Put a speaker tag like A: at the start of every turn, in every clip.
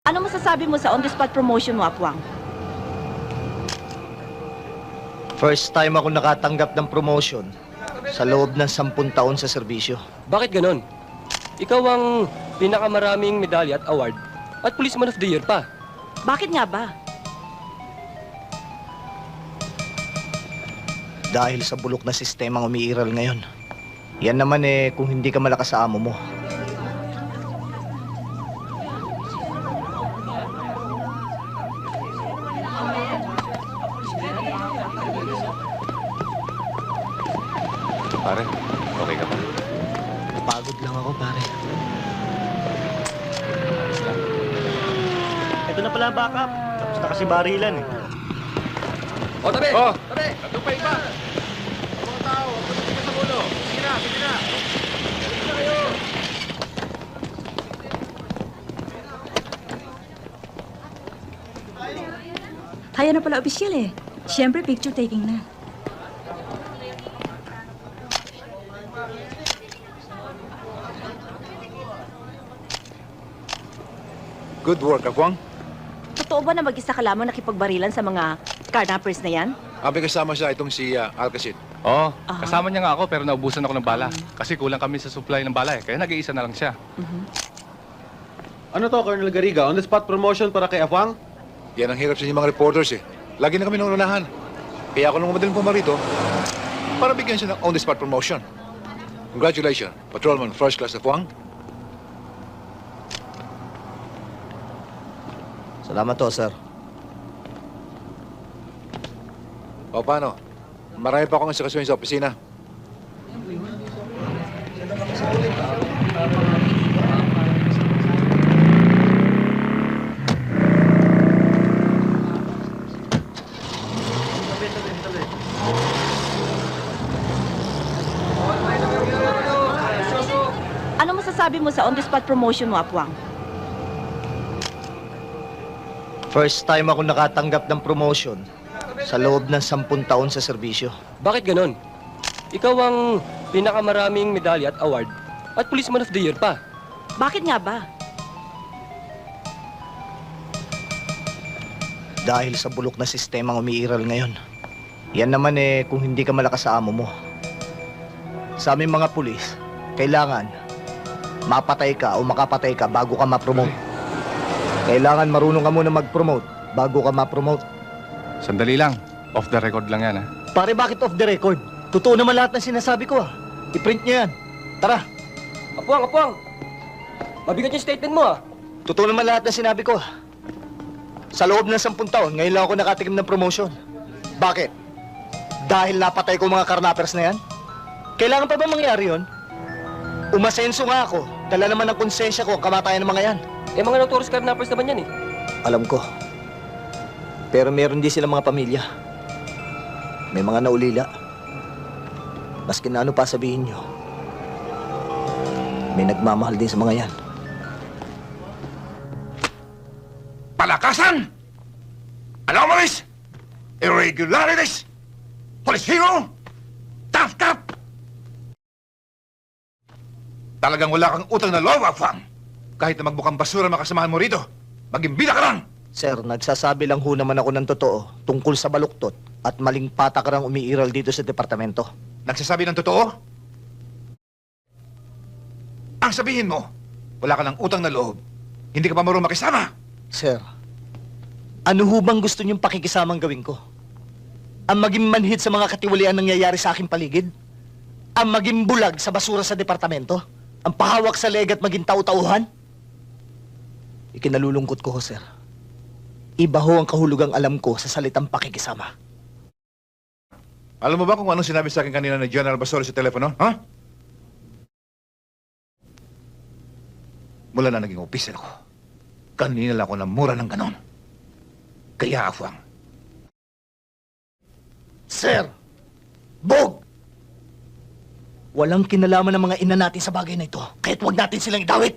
A: Ano masasabi mo sa on-the-spot promotion mo, Apwang?
B: First time ako nakatanggap ng promotion sa loob ng 10 taon sa serbisyo.
C: Bakit ganon? Ikaw ang pinakamaraming medalya at award at Policeman of the Year pa.
A: Bakit nga ba?
B: Dahil sa bulok na sistemang umiiral ngayon. Yan naman kung hindi ka malakas sa amo mo.
D: Pare, okay ka ba?
B: Pagod lang ako, pare.
E: Ito na pala ang backup. Tapos na kasi barilan eh.
C: O, tabi!
D: Oh!
C: Tabi!
D: Nandun pa iba! Mga tao, huwag mo tingin sa ulo. Sige na, sige na! Sige na kayo!
F: Kaya na pala opisyal eh. Siyempre, picture taking na.
D: Good work, Akwang.
A: Totoo ba na mag-isa ka lamang nakipagbarilan sa mga carnappers na yan?
D: Abi kasama siya itong si Alcacid.
G: Oo, kasama niya nga ako pero naubusan ako ng bala. Kasi kulang kami sa supply ng bala kaya nag-iisa na lang siya.
H: Ano to, Colonel Garriga? On-the-spot promotion para kay Afwang?
D: Yan ang hirap sa inyong mga reporters eh. Lagi na kami nangunahan. Kaya ako nung madaling pumarito para bigyan siya ng on-the-spot promotion. Congratulations, Patrolman First Class Akwang.
B: Salamat to, sir.
D: O paano? Marami pa akong inspeksyon sa opisina.
A: Ano masasabi mo sa on-the-spot promotion mo, Apwang?
B: First time ako nakatanggap ng promotion sa loob ng 10 taon sa serbisyo.
C: Bakit ganon? Ikaw ang pinakamaraming medalya at award at Policeman of the Year pa.
A: Bakit nga ba?
B: Dahil sa bulok na sistemang umiiral ngayon. Yan naman kung hindi ka malakas sa amo mo. Sa aming mga pulis, kailangan mapatay ka o makapatay ka bago ka ma-promote. Kailangan marunong ka muna mag-promote bago ka ma-promote.
G: Sandali lang, off the record lang yan ha.
B: Pare, bakit off the record? Totoo naman lahat ng sinasabi ko I-print niyo yan. Tara,
C: Apwang, Apwang! Mabigat yung statement mo
B: totoo naman lahat ng sinabi ko Sa loob ng 10 taon, ngayon lang ako nakatikim ng promotion. Bakit? Dahil napatay ko mga karnapers na yan? Kailangan pa ba mangyari yun? Umasenso nga ako. Dala naman ng konsensya ko ang kamatayan ng mga yan.
C: Eh, mga notorious carnappers naman yan eh.
B: Alam ko. Pero meron din silang mga pamilya. May mga naulila. Maski na ano pa sabihin nyo, may nagmamahal din sa mga yan.
D: Palakasan! Anomalies! Irregularities! Police hero! Tough cop! Talagang wala kang utang na loob, Afang. Kahit na magbukang basura makasamahan mo rito, maging bida ka lang!
B: Sir, nagsasabi lang ho naman ako ng totoo tungkol sa baluktot at maling patakarang umiiral dito sa departamento.
D: Nagsasabi ng totoo? Ang sabihin mo, wala ka ng utang na loob. Hindi ka pa marunong makisama.
B: Sir, ano ho bang gusto niyong pakikisamang gawin ko? Ang maging manhid sa mga katiwalian nangyayari sa aking paligid? Ang maging bulag sa basura sa departamento? Ang pahawak sa leg at maging tau-tauhan? Ikinalulungkot ko ho, sir. Iba ho ang kahulugang alam ko sa salitang pakikisama.
D: Alam mo ba kung anong sinabi sa akin kanina ni General Basol sa telepono? Ha? Mula na naging opisyal ako, kanina lang ako namura ng ganon. Kaya, Afwang,
B: Sir! Bog! Walang kinalaman ng mga ina natin sa bagay na ito, kaya't huwag natin silang idawit!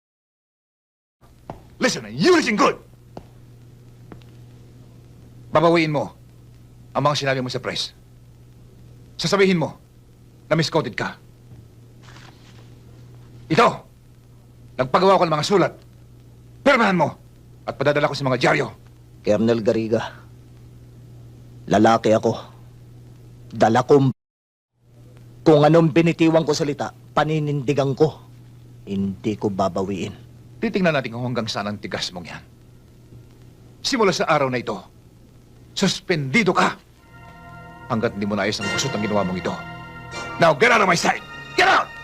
D: listen and you listen good! Babawiin mo ang mga sinabi mo sa press. Sasabihin mo na misquoted ka. Ito, nagpagawa ko ng mga sulat. Pirmahan mo At padadala ko sa mga dyaryo.
B: Colonel Garriga, lalaki ako. Dala kong... Kung anong binitiwang ko salita, paninindigan ko. Hindi ko babawiin.
D: Titingnan natin kung hanggang saan ang tigas mong yan. Simula sa araw na ito, suspendido ka! Hanggat hindi mo naayos ang kusot ang ginawa mong ito. Now, get out of my sight! Get out!